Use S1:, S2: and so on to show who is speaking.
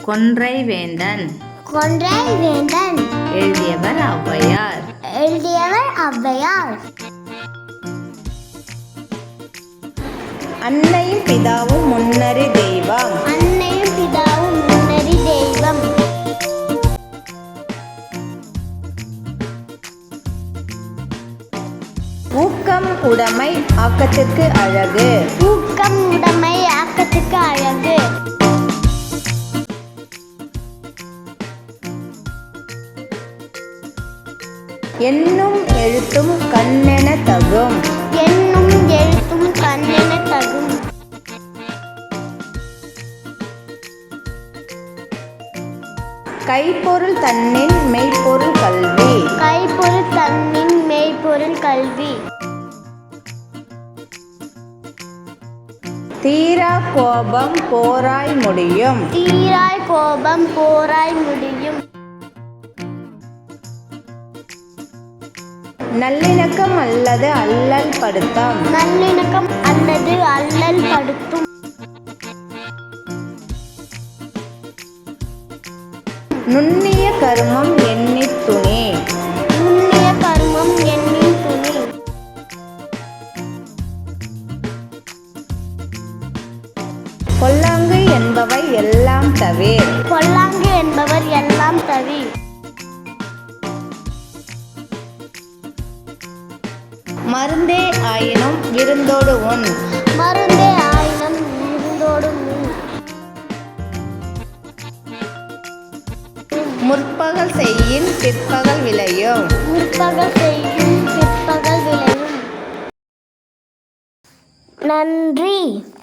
S1: கொன்றை வேந்தன்.
S2: கொன்றை வேந்தன்.
S1: எழுதியவர் ஔவையார். அன்னையும் பிதாவும் முன்னறி தெய்வம்.
S2: அன்னையும் பிதாவும் முன்னறி தெய்வம்.
S1: ஊக்கம் உடைமை ஆக்கத்திற்கு அழகு.
S2: ஊக்கம் உடைமை ஆக்கத்திற்கு அழகு.
S1: எண்ணும் எழுத்தும் கண்ணென தகும்.
S2: எண்ணும் எழுத்தும் கண்ணென தகும்.
S1: கைப்பொருள் தன்னின் மெய்ப்பொருள் கல்வி.
S2: கைப்பொருள் தன்னின் மெய்ப்பொருள் கல்வி.
S1: தீரா கோபம் போராய் முடியும்.
S2: தீராய் கோபம் போராய் முடியும்.
S1: நல்லிணக்கம் அல்லது அல்லல் படுத்தம்.
S2: நல்லிணக்கம் அல்லது அல்லல் படுத்தும்.
S1: நுண்ணிய கருமம் எண்ணித் துணி.
S2: நுண்ணிய கருமம் எண்ணித் துணி.
S1: பொல்லாங்கு என்பவை எல்லாம் தவிர்.
S2: பொல்லாங்கு என்பவர் எல்லாம் தவிர்.
S1: மருந்தே ஆயினும் விருந்தோடு உண்.
S2: மருந்தே ஆயினும் விருந்தோடு உண்.
S1: முற்பகல் செய்யின் பிற்பகல் விளையும்.
S2: முற்பகல் செய்யும் பிற்பகல் விளையும். நன்றி.